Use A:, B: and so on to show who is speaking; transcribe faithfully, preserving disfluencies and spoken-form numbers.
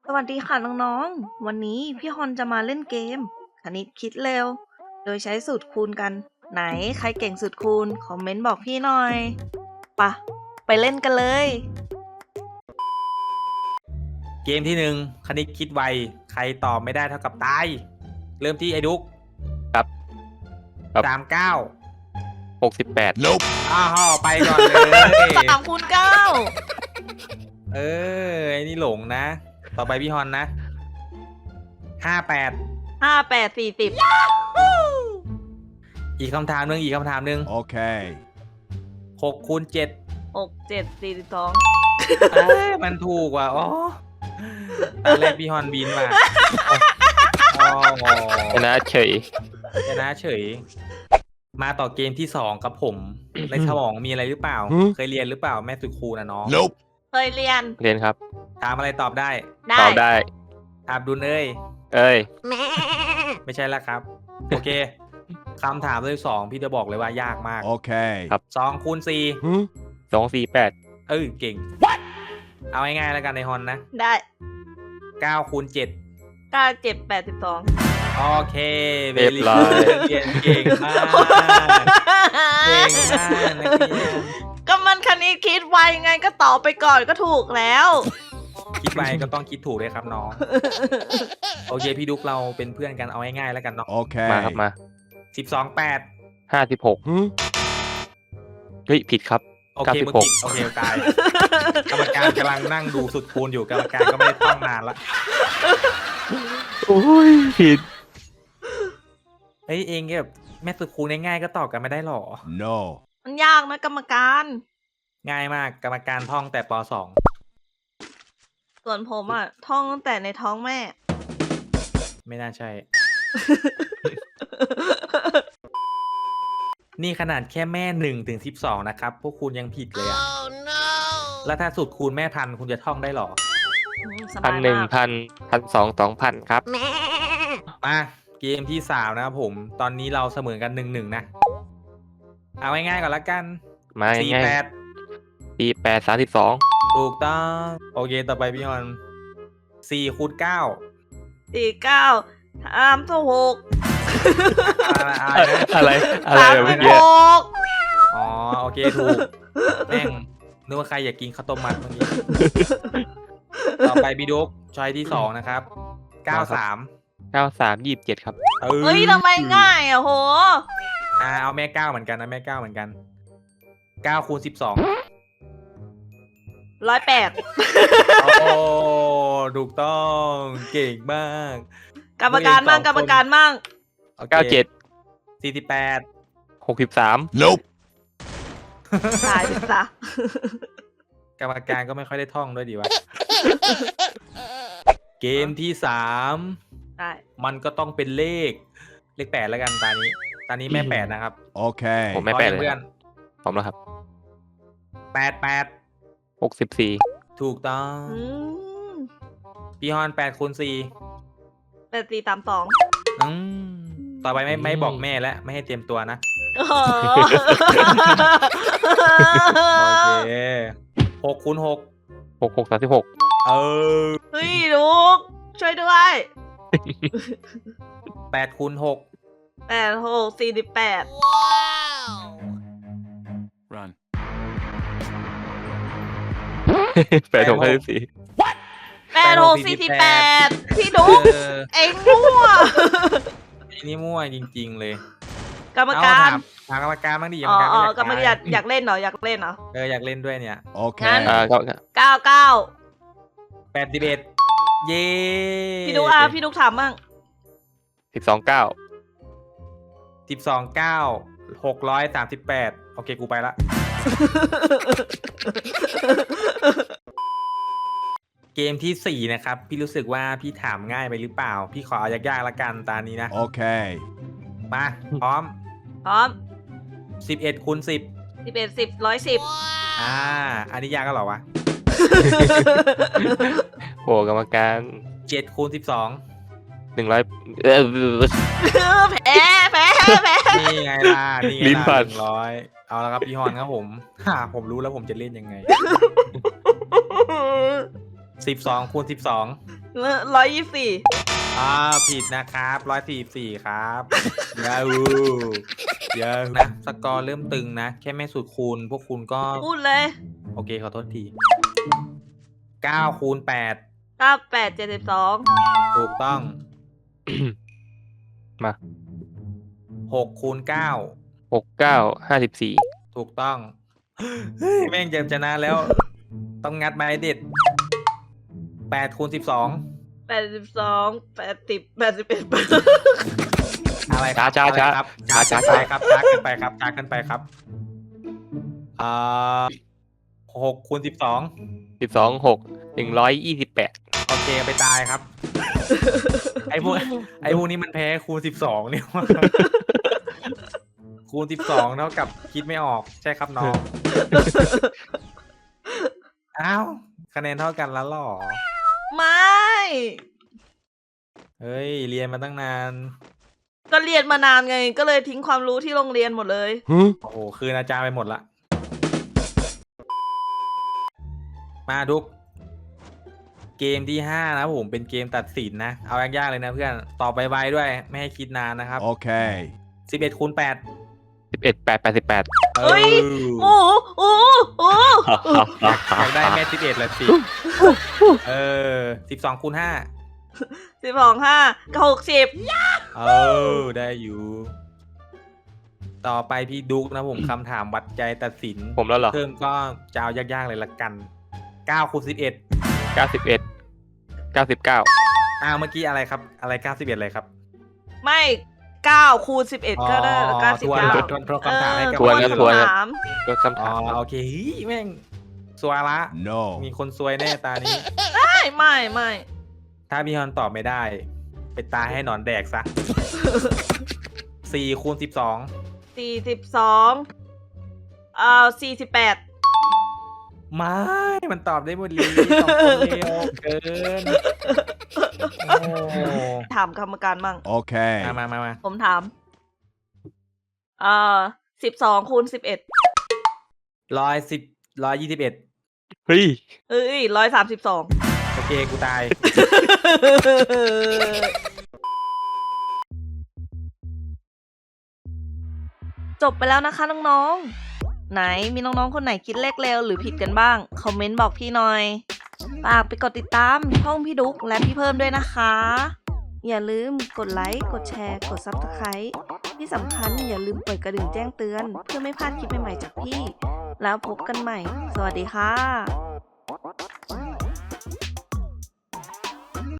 A: สวัสดีค่ะน้องๆ วันนี้พี่ฮอนจะมาเล่นเกมคณิตคิดเร็ว โดยใช้สูตรคูณกัน ไหนใครเก่งสูตรคูณ คอมเมนต์บอกพี่หน่อยปะไปเล่นกันเลย
B: เกมที่หนึ่งคณิตคิดไวใครตอบไม่ได้เท่ากับตาย เริ่มที่ไอ้ดุ๊ก
C: ครับครับ
B: สามเก้า
C: หกสิบแปด
B: อ้าวไปก่อนเลย
A: สามคูณเก้า
B: เออไอ้นี่หลงนะ ต่อไปพี่ฮอนนะห้าแปด
A: ห้าแปดสี่สิบ
B: อีกคำถามหนึ่งอีกคำถามหนึ่ง
D: Okay.
B: หกคูณเจ็ด
A: หกเจ็ดสี่สิบสอง
B: เอ้ยมันถูกว่ะอ๋อตอนแรกพี่ฮอนบินมาอ๋อ
C: ชนะเฉย
B: ชนะเฉย มาต่อเกมที่สองกับผม ในสมองมีอะไรหรือเปล่า
D: หืม
B: เคยเรียนหรือเปล่าแม่สุดครูนะน้อง
D: Nope.
A: เคยเรียน
C: เรียนครับ
B: ถามอะไรตอบได้
A: ได้
C: ตอบได้
B: อาบดุลเอ้ย
C: เอ้ย
B: ไม่ใช่แล้วครับ โอเคคำถามที่สองพี่จะบอกเลยว่ายากมาก
D: Okay.
C: ครับ
B: สองคูณสี่
D: Hmm?
C: สองสี่แปด
B: เออเก่ง เอาง่ายๆแล้วกันในฮอนนะ
A: ได้
B: เก้าคูณเจ็ด
A: เก้าเจ็ดแปดสิบสอง
B: โอเคเว
C: เรียบ
B: ลี
C: ร้อย
B: เก่งเก่งมากเก่งมากนักเรียน
A: ก็มันคณิตคิดไวไงก็ตอบไปก่อนก็ถูกแล้ว
B: คิดไปก็ต้องคิดถูกเลยครับน้อง โอเคพี่ดุ๊กเราเป็นเพื่อนกันเอาง่ายๆแล้วกันเนาะ
C: มาครับ
D: Okay.
C: มา
B: สิบสองแปด
C: ห้าสิบหก
D: Hmm?
C: เฮ้ย ผิดครับ
B: โอเค
C: เก้าสิบ
B: มึง
C: หก
B: ผิดโอเคตาย กรรมการกำลังนั่งดูสุดคูณอยู่กรรมการก็ไม่ได้ท่องนานละ
C: โอ้ย ผิด
B: เฮ้ยเองแบบแม่สุดคูณง่ายๆก็ตอบกันไม่ได้หรอ
D: No.
A: มันยากนะกรรมการ
B: ง่ายมากกรรมการท่องแต่ปสอง
A: ส่วนผมอ่ะ ท่องตั้งแต่ในท้องแม่
B: ไม่น่าใช่ นี่ขนาดแค่แม่หนึ่งถึงสิบสองนะครับ พวกคุณยังผิดเลยอะแล้วถ้าสุดคูณแม่พันคุณจะท่องได้หรอ
A: อืมส
C: พั
A: บาน ย
C: หนึ่ง
A: มาก
C: พัน พันสองสองพันครับ
B: มาเกมที่สามนะครับผม ตอนนี้เราเสมอกันหนึ่งหนึ่งนะ เอาง่ายๆก่อนละกัน
C: มา
B: สี่
C: ง่าย
B: แปด
C: ๆสี่แปดสามสิบสอง
B: ถูกต้อง โอเคต่อไปพี่ฮอนสี่คูณเก้า
A: สี่เก้าสามสิบหก
B: อะไรอะไรนะ
C: อะไร อะไร
A: สาม
C: แบบ
A: สิ
C: เมื่
A: บ
C: อ
A: ห
C: กี้
A: ก
B: อ๋อโอเคถูก แม่งนึกว่าใครอยากกินข้าวต้มมัดเมื่อกี้ ต่อไปบีดุกชอยที่สองนะครับเก้าสาม
C: เก้าสามยี่สิบเจ็ดครับ
A: เฮ้ยทำไมง่ายอ่ะโห
B: อ่าเอาแม่เก้าเหมือนกันนะแม่เก้าเหมือนกันเก้าคูณสิบสอง
A: ร้อยแปด
B: โอ้ถูกต้องเก่งมาก
A: กรรมการมั่งกรรมการมั่ง
B: โอค
C: เก้าเจ็ด
B: สี่สิบแปด
C: หกสิบสาม
D: Nope.
A: ตายไปซะ
B: กรรมการก็ไม่ค่อยได้ท่องด้วยดีวะ เกมที่สาม
A: ได้
B: มันก็ต้องเป็นเลข เลขแปดแล้วกันตานี้ ตานี้แม่แปดนะครับ
D: Okay.
C: ผมไม่แปด
B: พร้อ
C: เลย
B: เพื่
C: ค
B: อ
C: รั
B: น
C: บผมแล้วครับ
B: แปดแปด
C: หกสิบสี่
B: ถูกต้อง
A: อืม
B: พี่ฮอนแปดคูณสี่
A: แปดสี่สามสอง
B: อืมต่อไปไม่ไม่บอกแม่แล้วไม่ให้เตรียมตัวนะ
A: โอ้โห
B: โอเคหกคูณหก
C: หกหกสามสิบหก
B: เออ
A: เฮ้ยลูกช่วยด้วย
B: แปดคูณหก
A: แปดหกสี่สิบแปด
D: Run.
C: แปดหกห้าสิบสี่
A: แปดหกสี่สิบแปดพี่ดุ๊ก
B: เออ
A: เอ็งมั่ว
B: ไอ้นี่มั่วจริงๆเลย
A: กรรมการ
B: เอถถามกรรมการบ้างดิกร
A: อ๋
B: ร
A: อ
B: มการ
A: อ๋อ
B: ไม่
A: กรรมการอยากอยากเล่นเหรออยากเล่นเหรอ
B: เอออยากเล่นด้วยเนี่ย
D: Okay.
C: อ่าก็
A: เก้าเก้า
B: แปดสิบเอ็ดเย้
A: พี่ดุ๊กอ่ะพี่ดุ๊กถามมั่ง
C: สิบสองเก้า
B: สิบสองเก้าหกร้อยสามสิบแปดโอเคกูไปละ เกมที่สี่นะครับ พี่รู้สึกว่าพี่ถามง่ายไปหรือเปล่า พี่ขอเอายากๆละกันตานี้นะ
D: Okay.
B: มาพร้อม
A: พร้อม
B: สิบเอ็ดคูณสิบ
A: สิบเอ็ดสิบร้อยสิบ
B: อ่า อันนี้ยากก็หรอวะ
C: โหกรรมการ
B: เจ็ดคูณสิบสอง
C: หนึ่งร้อยเออ
A: แพ้แพ้แพ้
B: นี่ไงล่ะ นี่ไง
C: ลิ้นพั
B: ล่ะ
C: น
B: หนึ่งร้อยเอาละครับพี่ฮอนครับผม ฮ่าผมรู้แล้วผมจะเล่นยังไง สิบสองคูณสิบสอง
A: ร้อยยี่สี่
B: อ่าผิดนะครับร้อยสี่สี่ครับยาฮูยาฮูนะสกอร์เริ่มตึงนะ แค่ไม่สุดคูณ พวกคุณก็
A: พูดเลย
B: โอเคขอโทษทีเก้าคูณแปด
A: เก้าแปดเจ็ดสิบสอง
B: ถูกต้อง
C: มา
B: หกคูณเก้า
C: หกเก้าห้าสิบสี่
B: ถูกต้อง เฮ้ยแม่งเจมชนะแล้ว ต้องงัดไม้เด็ดแปดคูณสิบสอง
A: แปดสิบสองแปดสิบแปดสิบเอ็ด
B: อะไรครับ
C: ช้าช้า
B: อะไรครับ
C: ช้า
B: ช้า
C: ช้า
B: ช้าครับช้าขึ้นไปครับช้าขึ้นไปครับอ่าหกคูณสิบสอง
C: สิบสองหกหนึ่งร้อยยี่สิบแปด
B: โอเคไปตายครับ ไอ้พวกไอ้พวกนี้มันแพ้คูณสิบสองเนี่ยว่ะคูณสิบสองเท่ากับคิดไม่ออกใช่ครับน้อง อ้าวคะแนนเท่ากันแล้วหรอ
A: ไม่
B: เฮ้ย เรียนมาตั้งนาน
A: ก็เรียนมานานไง ก็เลยทิ้งความรู้ที่โรงเรียนหมดเลย
B: โอ้โห คืนอาจารย์ไปหมดละ มาดุก เกมที่ห้านะผมเป็นเกมตัดสินนะ เอายากๆเลยนะเพื่อน ตอบไวๆด้วย ไม่ให้คิดนานนะครับ
D: Okay.
B: สิบเอ็ดคูณแปด
C: สิบเอ็ดแปดแปดสิบแปด
A: เฮ้ย โอ้โหโอ้โหโอ้โห
B: อยากได้แม่สิบเอ็ดละสิ เออสิบสองคูณห้า
A: สิบสองห้ากับหกสิบ
B: เออ ได้อยู่ ต่อไปพี่ดุกนะผมคำถามวัดใจตัดสิน
C: ผมแล้วเหรอ
B: เพิ่มก็จะเอายากๆเลยละกันเก้าคูณสิบเอ็ด
C: เก้าสิบเอ็ดเก้าสิบเก้า
B: อ้าวเมื่อกี้อะไรครับ อะไรเก้าสิบเอ็ดอะไรครับ
A: ไม่เก้าคูณสิบเอ็ดก็ได้เก้าสิบ
B: ทวน
A: เก้า
B: ทวนทวนคำถามให้กับ
C: ทวน
B: ค
C: ครับ
B: อื่
C: ทวน
A: ถาม
C: ก็คำ
B: อ๋อ
C: ถาม
B: โอเคเฮ้ยแม่งสวยละ
D: No.
B: มีคนซวยแน่ตานี้
A: ไม่ไม่ไม่
B: ถ้าพี่ฮอนตอบไม่ได้ ไปตายให้หนอนแดกซะ สี่คูณสิบสอง
A: สี่สิบสองเอ่อสี่สิบแปด
B: ไม่ มันตอบได้หมดเลยสองคนเร็วเกิน โอ้
A: ถามกรรมการมั่ง
D: Okay.
B: มามามามา
A: ผมถามเอ่อสิบสองคูณสิบเอ็ด
B: ร้อยสิบร้อยยี่สิบเอ็ด
C: เฮ้ย
A: เอ้ยร้อยสามสิบสอง
B: โอเค กูตาย
A: จบไปแล้วนะคะน้องๆ ไหนมีน้องๆ คนไหนคิดเลขเร็วหรือผิดกันบ้าง คอมเมนต์บอกพี่หน่อย ฝากไปกดติดตามช่องพี่ดุ๊กและพี่เพิ่มด้วยนะคะ อย่าลืมกดไลค์ กดแชร์ กด ซับสไครบ์ ที่สำคัญอย่าลืมเปิดกระดิ่งแจ้งเตือน เพื่อไม่พลาดคลิปใหม่ๆจากพี่ แล้วพบกันใหม่ สวัสดีค่ะ